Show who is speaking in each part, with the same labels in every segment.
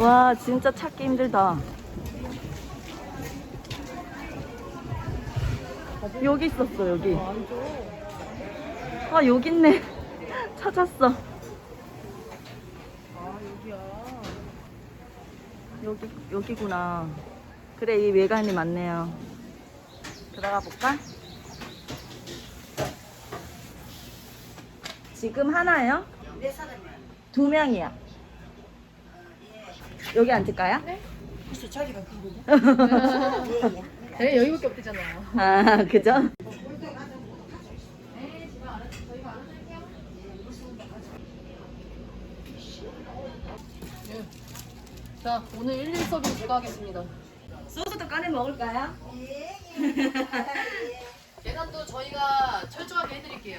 Speaker 1: 와, 진짜 찾기 힘들다. 여기 있었어, 여기. 아, 여기 있네. 찾았어. 여기구나. 그래, 이 외관이 맞네요. 들어가 볼까? 지금 하나요?
Speaker 2: 몇 사람이야?
Speaker 1: 2명이야. 여기 앉을까요?
Speaker 3: 네?
Speaker 2: 혹시 자기가 그거냐?
Speaker 3: 네, 여기밖에 없대잖아요.
Speaker 1: 아, 그죠?
Speaker 3: 자, 오늘 1일 서빙 제가 하겠습니다.
Speaker 1: 소스도 꺼내 먹을까요?
Speaker 3: 계산도 저희가 철저하게 해드릴게요.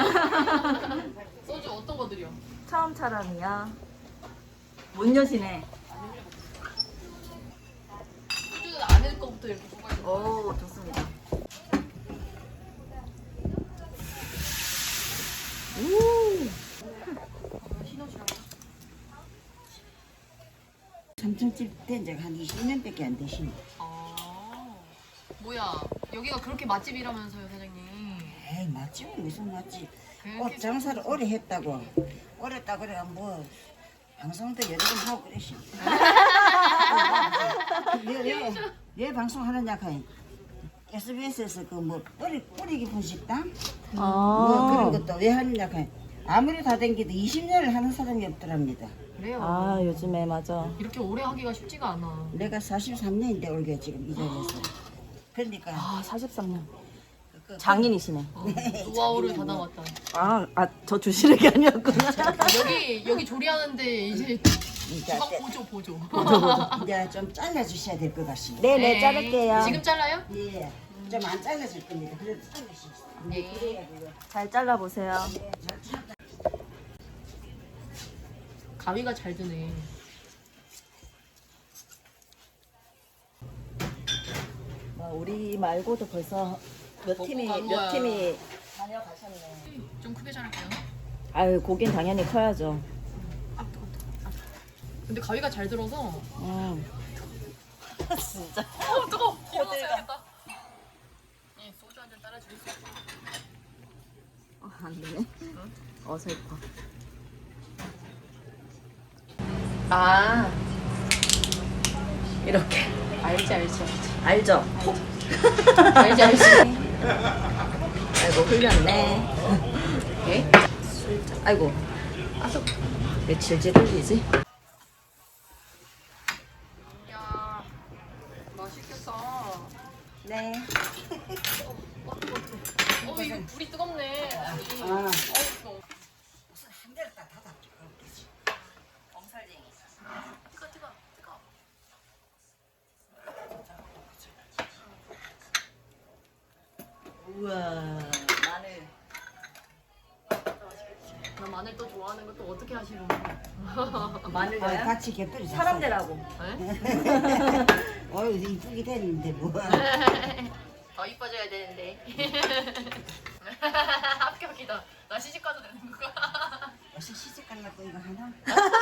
Speaker 3: 소주 어떤 거 드려?
Speaker 1: 처음 사람이야. 못 여시네.
Speaker 3: 소주는 안에 거부터 이렇게 뽑아야
Speaker 1: 오, 좋습니다.
Speaker 2: 삼층집 된 적 한 20년밖에 안 되시네.
Speaker 3: 아, 뭐야? 여기가 그렇게 맛집이라면서요, 사장님?
Speaker 2: 에이, 맛집은 무슨 맛집.
Speaker 3: 그렇게
Speaker 2: 꽃 장사를 오래 했다고. 오래 했다고 그래가 뭐 방송도 여러 번 하고 그러시. 왜 방송하느냐 카이. SBS에서 그 뭐 뿌리 깊은 식당 뭐 그런 것도 왜 하느냐 카이. 아무리 다 댕기도 20년을 하는 사람이 없더랍니다.
Speaker 3: 그래요.
Speaker 1: 아, 요즘에 맞아.
Speaker 3: 이렇게 오래 하기가 쉽지가 않아.
Speaker 2: 내가 43년인데 올게 지금 이 자리에서. 그러니까
Speaker 1: 아, 43년.
Speaker 2: 그-
Speaker 1: 장인이시네.
Speaker 3: 노하우를 다 나왔다.
Speaker 1: 저 주시는 게 아니었구나.
Speaker 3: 여기 조리하는데 이제
Speaker 2: 이제
Speaker 3: 주방 보조.
Speaker 2: 이제 좀 잘라주셔야 될 것 같습니다.
Speaker 1: 네네, 자를게요.
Speaker 3: 지금 잘라요?
Speaker 2: 예, 좀 안 잘라질 겁니다. 그래도 잘라주세요.
Speaker 3: 네.
Speaker 2: 그래야 그거.
Speaker 1: 잘 잘라보세요.
Speaker 3: 가위가 잘 드네.
Speaker 1: 우리 말고도 벌써 몇
Speaker 3: 먹고
Speaker 1: 팀이,
Speaker 3: 간
Speaker 1: 몇
Speaker 3: 거야.
Speaker 1: 팀이 다녀가셨네.
Speaker 3: 좀 크게 자를게요.
Speaker 1: 아유, 고긴 당연히 커야죠.
Speaker 3: 아, 뜨거워. 근데 가위가 잘 들어서.
Speaker 1: 진짜.
Speaker 3: 뜨거워. 일어나야겠다. 이 소주 한 잔 따라줄 수 있어.
Speaker 1: 안 되네. 어설퍼.
Speaker 3: 아,
Speaker 1: 이렇게.
Speaker 3: 알지.
Speaker 1: 알죠?
Speaker 3: 알지.
Speaker 1: 아이고, 흘렸네.
Speaker 3: 예?
Speaker 1: 아이고. 왜 질질 흘리지?
Speaker 3: 야, 맛있겠다.
Speaker 1: 네.
Speaker 3: 이거 불이 뜨겁네. 불이.
Speaker 2: 아,
Speaker 3: 뜨거워.
Speaker 2: 무슨 한 대를 다 닫았죠.
Speaker 1: 엄살쟁이.
Speaker 3: 뜨거.
Speaker 1: 우와. 마늘.
Speaker 3: 나 마늘 또 좋아하는 거 또 어떻게 하시는 거야?
Speaker 1: 마늘
Speaker 2: 아,
Speaker 1: 넣어요?
Speaker 2: 같이 곁들이
Speaker 1: 사람 되라고.
Speaker 3: 네?
Speaker 2: 어휴, 이쁘게 됐는데 뭐.
Speaker 3: 더 이뻐져야 되는데. 합격이다. 나 시집 가도 되는 거야.
Speaker 2: 어서 시집 가려고 이거 하나?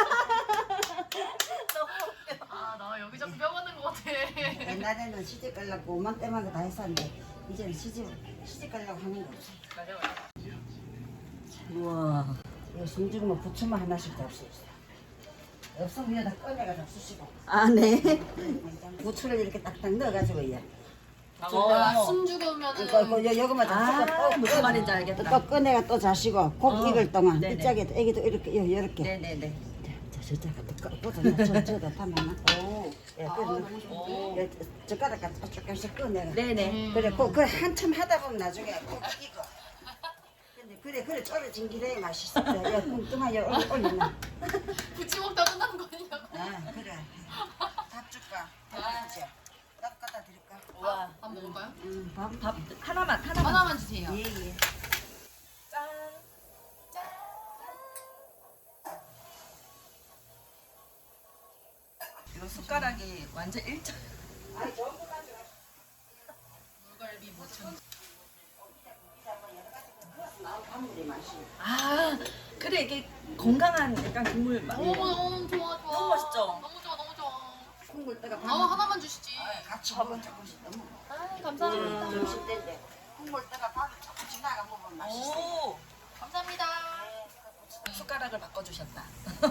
Speaker 3: 아, 나 여기 자꾸 뼈받는 것 같아.
Speaker 2: 옛날에는 시집 가려고 오만 때마다 다 했었는데 이제는 시집 가려고 하는 거 없어.
Speaker 3: 맞아.
Speaker 1: 우와.
Speaker 2: 이거 숨죽으면 부추만 하나씩 잡수 있어요. 없으면 여기다 꺼내가 잡수시고
Speaker 1: 아, 네.
Speaker 2: 부추를 이렇게 딱딱 넣어가지고 이제
Speaker 3: 숨 죽으면은
Speaker 2: 요거만 잡수고
Speaker 1: 무슨 말인지 알겠다.
Speaker 2: 또 꺼내가 또 자시고 꼭 익을 동안
Speaker 1: 네네.
Speaker 2: 이쪽에도 애기도 이렇게
Speaker 1: 네네네.
Speaker 2: 저자가 또 꺼내 저다 담아놔.
Speaker 1: 오.
Speaker 2: 예,
Speaker 3: 너무 좋은데.
Speaker 2: 젓가락 갖다 조금씩 꺼내가.
Speaker 1: 네네.
Speaker 2: 그래, 그 한참 하다 보면 나중에 꼭 익어. 근데 그래 졸여진 기대에 맛있어. 야, 뚱뚱한 여 올리나.
Speaker 3: 부치 먹다 끝나는 거 아니냐고.
Speaker 2: 아, 그래. 밥 줄까? 밥 주자. 밥 갖다 드릴까?
Speaker 1: 우와.
Speaker 3: 밥 먹을까요?
Speaker 2: 밥.
Speaker 1: 하나만.
Speaker 3: 하나만 주세요.
Speaker 2: 예, 예.
Speaker 1: 짠. 이 숟가락이 완전 일자.
Speaker 3: 물갈비 무침.
Speaker 1: 아, 그래 이게 건강한 약간 국물 맛.
Speaker 3: 너무 좋아.
Speaker 1: 너무 맛있죠?
Speaker 3: 너무 좋아.
Speaker 2: 내가
Speaker 3: 하나만 주시지.
Speaker 2: 같이 먹으면 조금씩 너무
Speaker 3: 아, 감사합니다.
Speaker 2: 점심 때인데 국물 떠가 밥을 조금 지나가 먹으면 맛있어.
Speaker 3: 오, 감사합니다.
Speaker 1: 숟가락을 바꿔주셨다.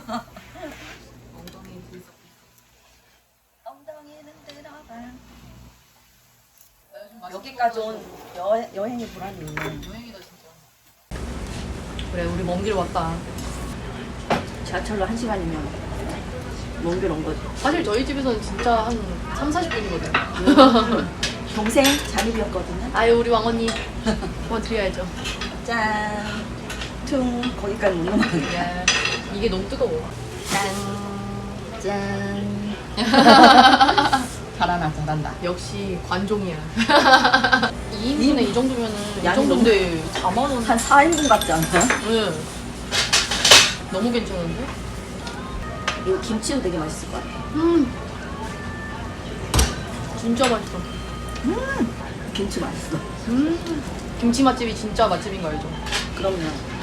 Speaker 1: 엉덩이 들썩. 엉덩이는 들어봐. 여기까지 온 여행의 보람이 있네.
Speaker 3: 여행이다 진짜. 그래, 우리 먼 길 왔다.
Speaker 1: 지하철로 1시간이면 먼 길 온 거지.
Speaker 3: 사실 저희 집에서는 진짜 한 30분이거든.
Speaker 1: 동생 잠입이었거든요.
Speaker 3: 아유, 우리 왕언니. 도와드려야죠.
Speaker 1: 짠. 퉁. 거기까지 못 넘어가네.
Speaker 3: 야, 이게 너무 뜨거워.
Speaker 1: 짠. 짠. 잘하나, 잘한다.
Speaker 3: 역시 관종이야. 2인분에 이 정도면은 이
Speaker 1: 양이
Speaker 3: 정도인데 4만 원.
Speaker 1: 한 4인분 같지 않나요?
Speaker 3: 응. 너무 괜찮은데?
Speaker 1: 이거 김치도 되게 맛있을 것 같아.
Speaker 3: 진짜 맛있어.
Speaker 1: 김치 맛있어.
Speaker 3: 김치 맛집이 진짜 맛집인 거 알죠?
Speaker 1: 그럼요.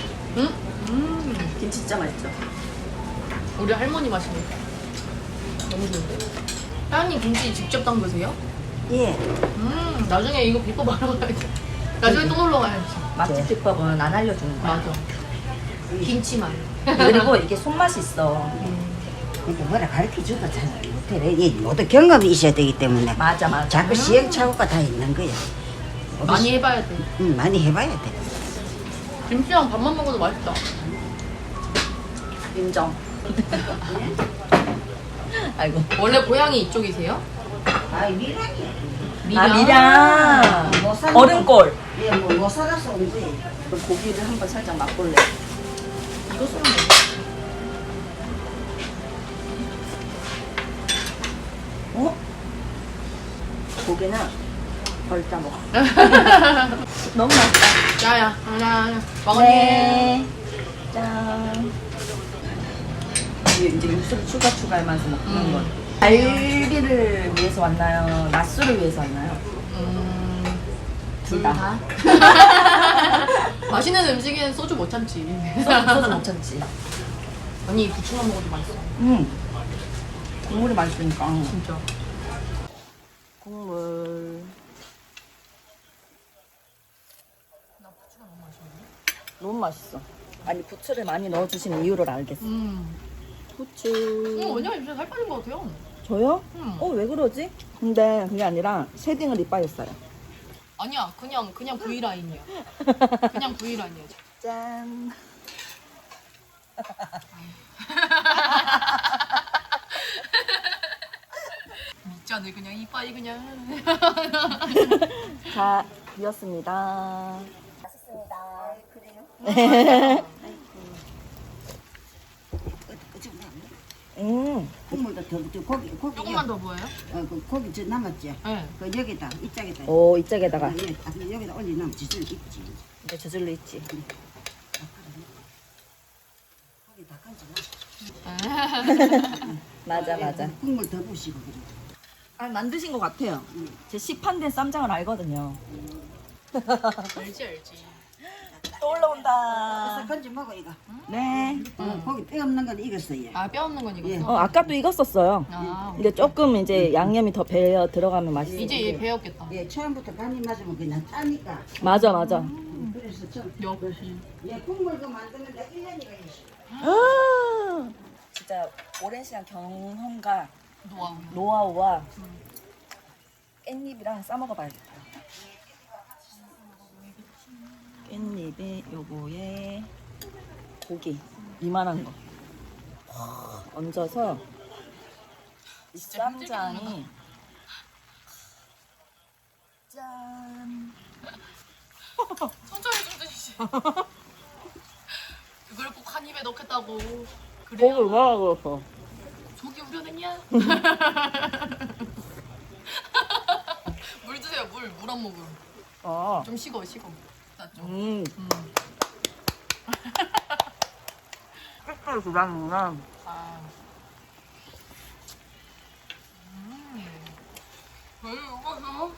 Speaker 3: 음.
Speaker 1: 김치 진짜 맛있죠.
Speaker 3: 우리 할머니 맛이네. 너무 좋은데? 따님 김치 직접 담그세요?
Speaker 1: 예.
Speaker 3: 나중에 이거 비법 알아가야지. 나중에 또 놀러 가야지.
Speaker 1: 맛집 비법은 안 알려주는 거야.
Speaker 3: 맞아. 김치만.
Speaker 1: 그리고 이게 손맛이 있어.
Speaker 2: 이게 뭐라 가르쳐줘도 잘 못해. 이 모두 경험이 있어야 되기 때문에
Speaker 1: 맞아, 맞아.
Speaker 2: 자꾸 시행착오가 다 있는 거야.
Speaker 3: 많이 해봐야 돼.
Speaker 2: 많이 해봐야 돼.
Speaker 3: 김치랑 밥만 먹어도 맛있다.
Speaker 1: 인정. 아이고.
Speaker 3: 원래 고향이 이쪽이세요?
Speaker 2: 아, 미랑이야.
Speaker 1: 아, 미량. 얼음골.
Speaker 2: 예, 뭐 살아서 온 거야.
Speaker 1: 그럼 고기를 한번 살짝 맛볼래.
Speaker 3: 이거 쓰면 돼.
Speaker 1: 어? 고기는 벌자 먹어. 너무 맛있다.
Speaker 3: 야야, 야야, 왕언니.
Speaker 1: 네. 짠. 이제 육수를 추가하면서 먹는 거. 갈비를 위해서 왔나요? 낮술을 위해서 왔나요?
Speaker 3: 둘 다. 맛있는 음식에는 소주 못 참지.
Speaker 1: 소주 못 참지.
Speaker 3: 아니, 부추만 먹어도 맛있어.
Speaker 1: 국물이 맛있으니까.
Speaker 3: 진짜.
Speaker 1: 국물.
Speaker 3: 나 부추가 너무 맛있는데?
Speaker 1: 너무 맛있어. 아니 부추를 많이 넣어주시는 이유를 알겠어. 부추.
Speaker 3: 왜냐면 진짜 살 빠진 것 같아요.
Speaker 1: 저요?
Speaker 3: 음.
Speaker 1: 왜 그러지? 근데 그게 아니라 쉐딩을 이빠졌어요.
Speaker 3: 아니야, 그냥 V라인이야. 그냥 V라인이야.
Speaker 1: 짠.
Speaker 3: 밑잔을 그냥 이빠이 그냥.
Speaker 1: 다 비었습니다. 맛있습니다. 그래요?
Speaker 2: 국물도 더 고기
Speaker 3: 조금만 더 부어요?
Speaker 2: 그 고기 저 남았지.
Speaker 3: 네.
Speaker 2: 그 여기다 이쪽에다.
Speaker 1: 오, 이쪽에다가
Speaker 2: 여기다 올리면 지질 있지.
Speaker 1: 이제 저절로 있지.
Speaker 2: 고기 다 건져.
Speaker 1: 맞아.
Speaker 2: 국물 더 부시고 그래.
Speaker 1: 아, 만드신 것 같아요. 제 시판된 쌈장을 알거든요.
Speaker 3: 알지.
Speaker 1: 또 올라온다.
Speaker 2: 그래서 건져 먹어 이거.
Speaker 1: 네.
Speaker 2: 고기 뼈 없는 건 익었어요.
Speaker 3: 아, 뼈 없는 건 이거.
Speaker 1: 아까도 익었었어요.
Speaker 3: 아,
Speaker 1: 이게 조금 이제 양념이 더 배어 들어가면 맛있어.
Speaker 3: 이제 얘 배웠겠다.
Speaker 2: 예, 처음부터 간이 맞으면 그냥 짜니까.
Speaker 1: 맞아.
Speaker 2: 그래서
Speaker 3: 역시.
Speaker 2: 예, 국물 그 만드는 데 1년이가 있어.
Speaker 1: 진짜 오랜 시간 경험과
Speaker 3: 노하우.
Speaker 1: 노하우와 깻잎이랑 싸먹어봐야겠다. 깻잎에 요거에 고기 이만한 거 얹어서 이
Speaker 3: 진짜
Speaker 1: 쌈장이 짠.
Speaker 3: 천천히 좀 드시지. 그걸 꼭 한 입에 넣겠다고.
Speaker 1: 고기
Speaker 3: 그래요?
Speaker 1: 얼마나 그었어?
Speaker 3: 속이 우려냈냐? 물 드세요, 물 한 모금.
Speaker 1: 아,
Speaker 3: 좀 식어. 낫죠?
Speaker 1: 색깔 주라는구나.
Speaker 3: 아. 왜 이거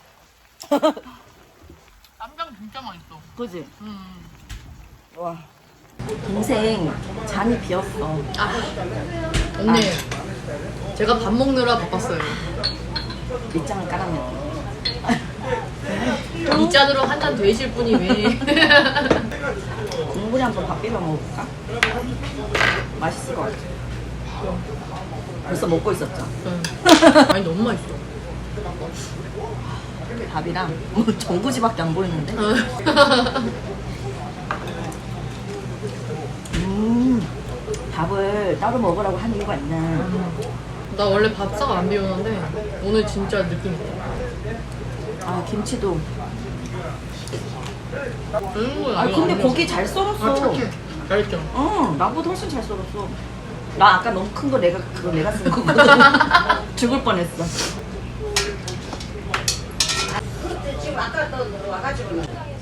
Speaker 3: 쌈장 진짜 맛있어.
Speaker 1: 그지? 와. 동생 잠이 비었어.
Speaker 3: 언니 제가 밥 먹느라 바빴어요.
Speaker 1: 밑장을 깔았네.
Speaker 3: 이 짠으로 한 잔 되실 분이 왜?
Speaker 1: 국물에 한번 밥 비벼 먹어볼까? 맛있을 것 같아. 벌써 먹고 있었죠?
Speaker 3: 아니 너무 맛있어.
Speaker 1: 밥이랑 전구지밖에 안 보이는데? 밥을 따로 먹으라고 한 이유가 있네.
Speaker 3: 나 원래 밥상 안 비우는데 오늘 진짜 느낌 있다.
Speaker 1: 아 김치도.
Speaker 3: 아
Speaker 1: 근데 고기 잘 썰었어.
Speaker 3: 착해. 잘했죠.
Speaker 1: 나보다 훨씬 잘 썰었어. 나 아까 너무 큰 거 내가 쓴 거거든. 죽을 뻔했어.
Speaker 2: 지금 아까 또 와가지고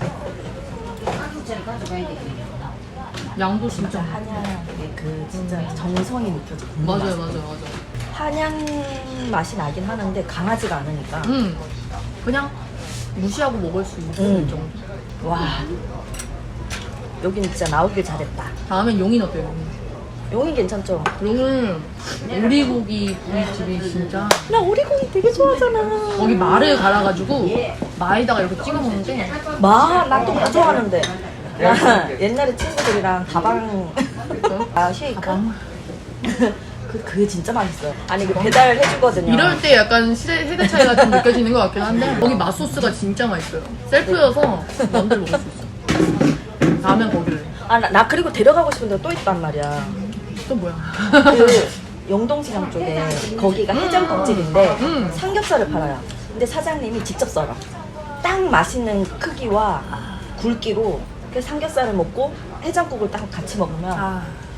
Speaker 2: 아무튼 가져가야 돼.
Speaker 3: 양도 진짜.
Speaker 1: 한약의 그 진짜 정성이 느껴져.
Speaker 3: 맞아요.
Speaker 1: 한약 맛이 나긴 하는데 강하지가 않으니까.
Speaker 3: 그냥 무시하고 먹을 수 있는 정도.
Speaker 1: 와. 여긴 진짜 나오길 잘했다.
Speaker 3: 다음엔 용인 어때요?
Speaker 1: 용인 괜찮죠?
Speaker 3: 용인 오리고기 부위집이 진짜.
Speaker 1: 나 오리고기 되게 좋아하잖아.
Speaker 3: 거기 말을 갈아가지고 마에다가 이렇게 찍어 먹는데.
Speaker 1: 나 또 좋아하는데. 나 옛날에 친구들이랑 다방 쉐이크. 그게 진짜 맛있어요. 아니 그 배달 해주거든요.
Speaker 3: 이럴 때 약간 세대 차이가 좀 느껴지는 것 같긴 한데 거기 맛소스가 진짜 맛있어요. 셀프여서 마음대로 먹을 수 있어. 다음엔 거기를.
Speaker 1: 나 그리고 데려가고 싶은 데가 또 있단 말이야.
Speaker 3: 또 뭐야?
Speaker 1: 그 영동시장 쪽에 거기가 해장국집인데 삼겹살을 팔아요. 근데 사장님이 직접 썰어. 딱 맛있는 크기와 굵기로 그 삼겹살을 먹고 해장국을 딱 같이 먹으면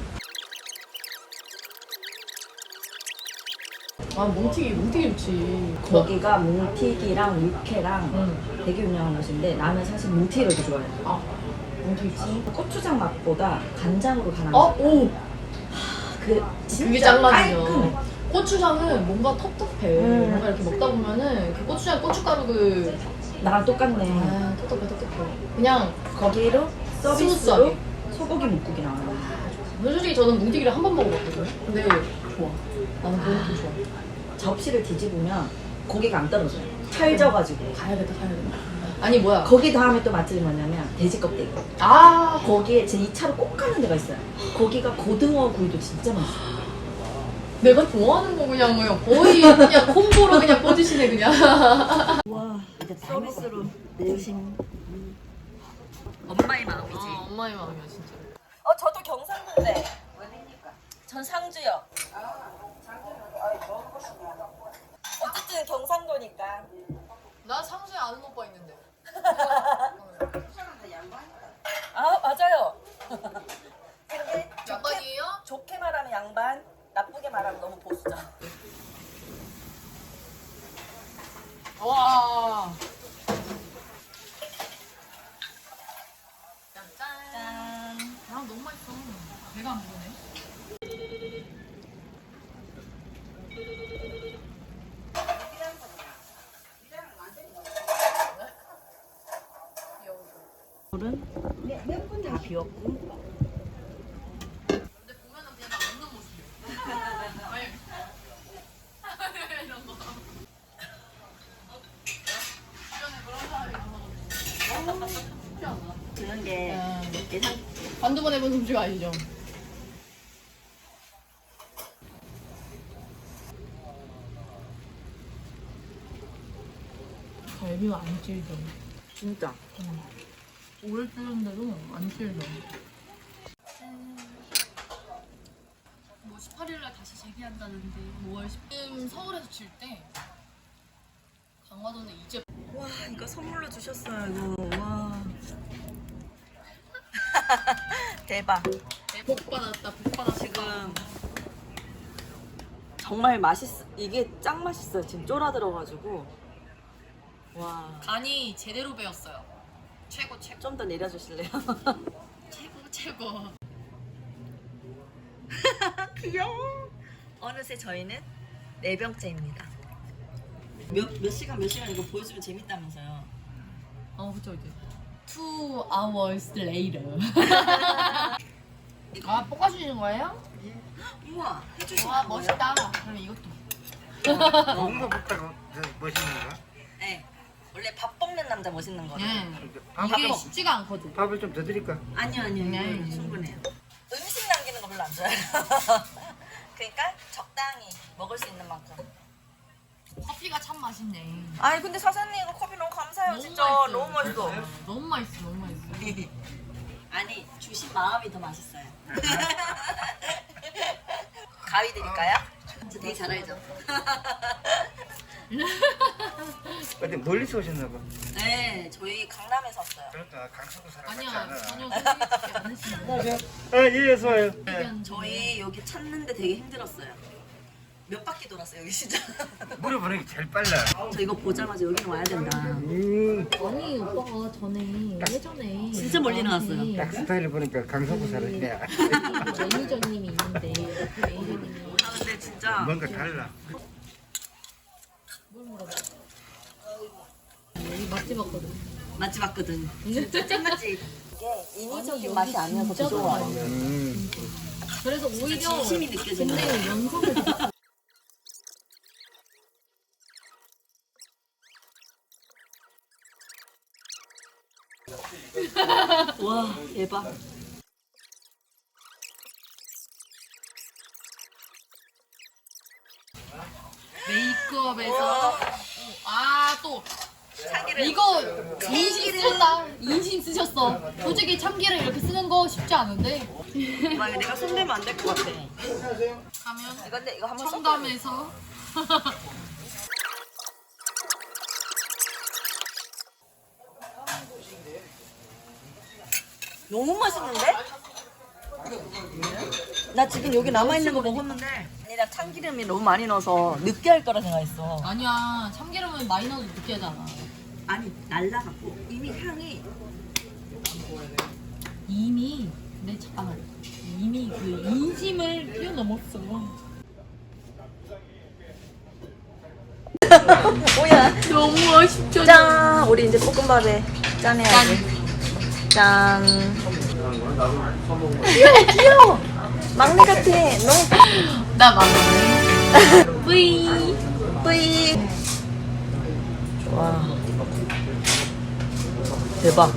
Speaker 3: 뭉티기 좋지.
Speaker 1: 거기가 뭉티기랑 육회랑 되게 유명한 곳인데 나는 사실 뭉티기를 더 좋아해. 뭉티기 고추장 맛보다 간장으로 간한
Speaker 3: 오!
Speaker 1: 그 진짜
Speaker 3: 그게 짱맛이죠.
Speaker 1: 깔끔해.
Speaker 3: 고추장은 뭔가 텁텁해. 뭔가 이렇게 먹다 보면은 그 고추장 고춧가루
Speaker 1: 나랑 똑같네.
Speaker 3: 텁텁해. 그냥
Speaker 1: 거기로 서비스로
Speaker 3: 스무스하게.
Speaker 1: 소고기 묵국이 나와요.
Speaker 3: 솔직히 저는 뭉티기를 한 번 먹어봤거든요. 근데 좋아. 나는 그런 게 좋아.
Speaker 1: 접시를 뒤집으면 고기가 안 떨어져요. 찰져가지고.
Speaker 3: 가야겠다. 아니 뭐야?
Speaker 1: 거기 다음에 또 맛집이 뭐냐면 돼지 껍데기. 거기에 제 2차로 꼭 가는 데가 있어요. 거기가 고등어 구이도 진짜 맛있어요.
Speaker 3: 내가 좋아하는 거 그냥 뭐야 거의 그냥 콤보로 그냥 꽂으시네 그냥.
Speaker 1: 와, 이제 서비스로 드신 엄마의 마음이지.
Speaker 3: 엄마의 마음이야 진짜.
Speaker 1: 저도 경상도인데. 전 상주요. 어쨌든 경상도니까.
Speaker 3: 나 상수에 아는 오빠 있는데.
Speaker 1: 맞아요. 근데
Speaker 3: 양반이에요?
Speaker 1: 좋게 말하면 양반, 나쁘게 말하면 너무 보수죠.
Speaker 3: 와.
Speaker 1: 짠.
Speaker 3: 너무 맛있어. 배가 안 부르네.
Speaker 1: 물은 다 비웠고.
Speaker 3: 근데 보면은 그냥 다 먹는 모습이야. 이런 거. 주변에 그런 사람이 많아가지고. 쉽지 않아.
Speaker 1: 드는 게 예상.
Speaker 3: 한두 번 해본 솜씨가 아니죠. 갈비가 안 찔죠.
Speaker 1: 진짜.
Speaker 3: 오래 찔는데도 안 찔죠. 뭐 18일날 다시 재개한다는데 5월 10일 서울에서 칠 때 강화도는 이제
Speaker 1: 와, 이거 선물로 주셨어요. 이거. 와. 대박.
Speaker 3: 복 받았다. 복 받았다.
Speaker 1: 지금 정말 이게 짱 맛있어요. 지금 쫄아들어가지고. 와.
Speaker 3: 간이 제대로 배웠어요. 최고.
Speaker 1: 좀 더 내려주실래요?
Speaker 3: 최고.
Speaker 1: 귀여워. 어느새 저희는 4병째입니다. 몇 시간 이거 보여주면 재밌다면서요.
Speaker 3: 그쵸 이제 2 hours later. 볶아주시는 거예요?
Speaker 1: 우와, 해주시는
Speaker 3: 와
Speaker 1: 거예요?
Speaker 3: 멋있다. 그럼 이것도
Speaker 4: 뭔가 먹다가 멋있는 거야?
Speaker 1: 네. 원래 밥 먹는 남자 멋있는 거예요.
Speaker 3: 이게 쉽지가 않거든.
Speaker 4: 밥을 좀 더 드릴까?
Speaker 1: 아니요. 충분해요. 음식 남기는 거 별로 안 좋아해요. 그러니까 적당히 먹을 수 있는 만큼.
Speaker 3: 커피가 참 맛있네.
Speaker 1: 아니 근데 사장님 이거 커피 너무 감사해요. 진짜
Speaker 3: 맛있어요.
Speaker 1: 너무 맛있어.
Speaker 3: 너무 맛있어, 너무 맛있어.
Speaker 1: 아니 주신 마음이 더 맛있어요. 가위 드릴까요? 저 되게 잘 알죠?
Speaker 4: 어디 멀리서 오셨나 봐.
Speaker 1: 네, 저희 강남에서 왔어요.
Speaker 4: 그러니까 강서구 사람 같지
Speaker 3: 아니야,
Speaker 4: 않아.
Speaker 3: 전혀 소개시키지 않으시는
Speaker 4: 안녕하세요. 예, 어서 와요.
Speaker 1: 저희 여기 찾는데 되게 힘들었어요. 몇 바퀴 돌았어요, 여기 진짜.
Speaker 4: 물어보는 게 제일 빨라.
Speaker 1: 저 이거 보자마자 여기는 와야 된다.
Speaker 3: 아니, 오빠가 예전에
Speaker 1: 진짜 멀리 나왔어요.
Speaker 4: 딱 스타일을 보니까 강서구 사람이야.
Speaker 3: 매니저님이 있는데 그 매니저님이
Speaker 1: 아, 근데 진짜
Speaker 4: 뭔가 달라.
Speaker 3: 여기 맛집 왔거든.
Speaker 1: 맛집 왔거든. 진짜 찐맛집. 이게 인위적인 맛이 아니어서 더 좋아요.
Speaker 3: 그래서 오히려
Speaker 1: 진심이 느껴지는
Speaker 3: 근데 연상을
Speaker 1: 와, 대박.
Speaker 3: 메이크업에서 또
Speaker 1: 참기름.
Speaker 3: 이거 인심 쓰셨다. 인심 쓰셨어. 솔직히 참기름 이렇게 쓰는 거 쉽지 않은데.
Speaker 1: 막 내가 손대면 안 될 것 같아.
Speaker 3: 하면
Speaker 1: 근데 이거 한번
Speaker 3: 청담에서
Speaker 1: 너무 맛있는데? 나 지금 여기 남아있는 거 먹었는데 아니라 참기름이 너무 많이 넣어서 느끼할 거라 생각했어.
Speaker 3: 아니야. 참기름은 많이 넣어도 느끼하잖아.
Speaker 1: 아니 날라갔고 이미 향이
Speaker 3: 이미 잠깐만. 이미 그 인심을 뛰어넘었어.
Speaker 1: 뭐야.
Speaker 3: 너무 맛있죠.
Speaker 1: 짠! 우리 이제 볶음밥에 짠해야지. 짠. 귀여워. 막내 같아. 너무
Speaker 3: 나 막내. 뿌이.
Speaker 1: 뿌이. 와. 대박.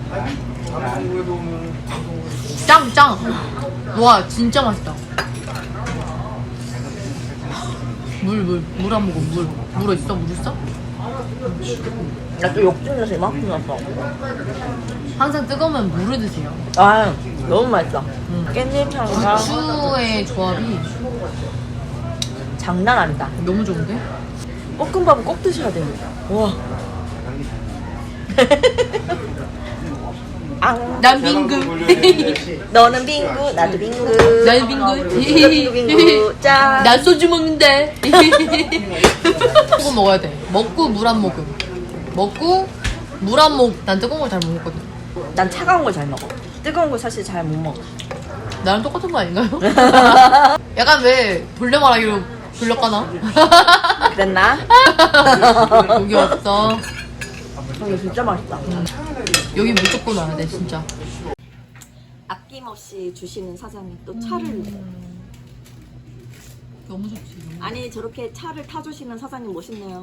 Speaker 3: 짱. 와 진짜 맛있다. 물 한 모금 물 있어? 물 있어?
Speaker 1: 나 또 욕심내서 이만큼 났어.
Speaker 3: 항상 뜨거우면 물을 드세요.
Speaker 1: 아, 너무 맛있어. 깻잎 향과
Speaker 3: 부추의 조합이
Speaker 1: 장난 아니다.
Speaker 3: 너무 좋은데?
Speaker 1: 볶음밥은 꼭 드셔야 돼요. 와. 앙.
Speaker 3: 난 빙구.
Speaker 1: 너는 빙구, 나도 빙구.
Speaker 3: 난 빙구.
Speaker 1: 빙구, 빙구. 짠.
Speaker 3: 난 소주 먹는데. 소금 먹어야 돼. 먹고 물 한 모금. 먹고 물 한 모금. 난 뜨거운 걸 잘 못 먹거든.
Speaker 1: 난 차가운 걸 잘 먹어. 뜨거운 걸 사실 잘 못 먹어.
Speaker 3: 나랑 똑같은 거 아닌가요? 약간 왜 돌려 말하기로 돌려까나?
Speaker 1: 그랬나?
Speaker 3: 여기 왔어.
Speaker 1: 이거 진짜 맛있다.
Speaker 3: 여기 무조건 와야 돼 진짜.
Speaker 1: 아낌없이 주시는 사장님 또 차를
Speaker 3: 너무 좋지.
Speaker 1: 아니 저렇게 차를 타주시는 사장님 멋있네요.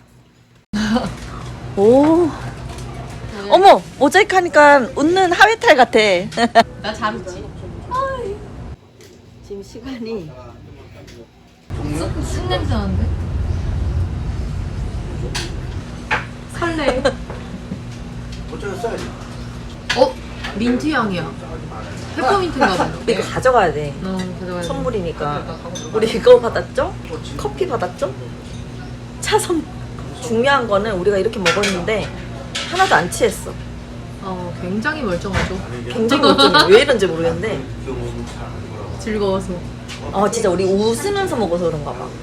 Speaker 1: 오. 어머 모자이크 하니까 웃는 하회탈 같아.
Speaker 3: 나 잘 웃지.
Speaker 1: 지금 시간이
Speaker 3: 쑥 냄새 나는데? 설레. 민트 향이야. 페퍼민트인가 봐.
Speaker 1: 우리 이거 가져가야 돼.
Speaker 3: 가져가야 돼.
Speaker 1: 선물이니까. 우리 이거 받았죠? 커피 받았죠? 차 선. 중요한 거는 우리가 이렇게 먹었는데 하나도 안 취했어.
Speaker 3: 굉장히 멀쩡하죠.
Speaker 1: 굉장히 걱정해. 왜 이런지 모르겠는데.
Speaker 3: 즐거워서.
Speaker 1: 진짜 우리 웃으면서 먹어서 그런가 봐.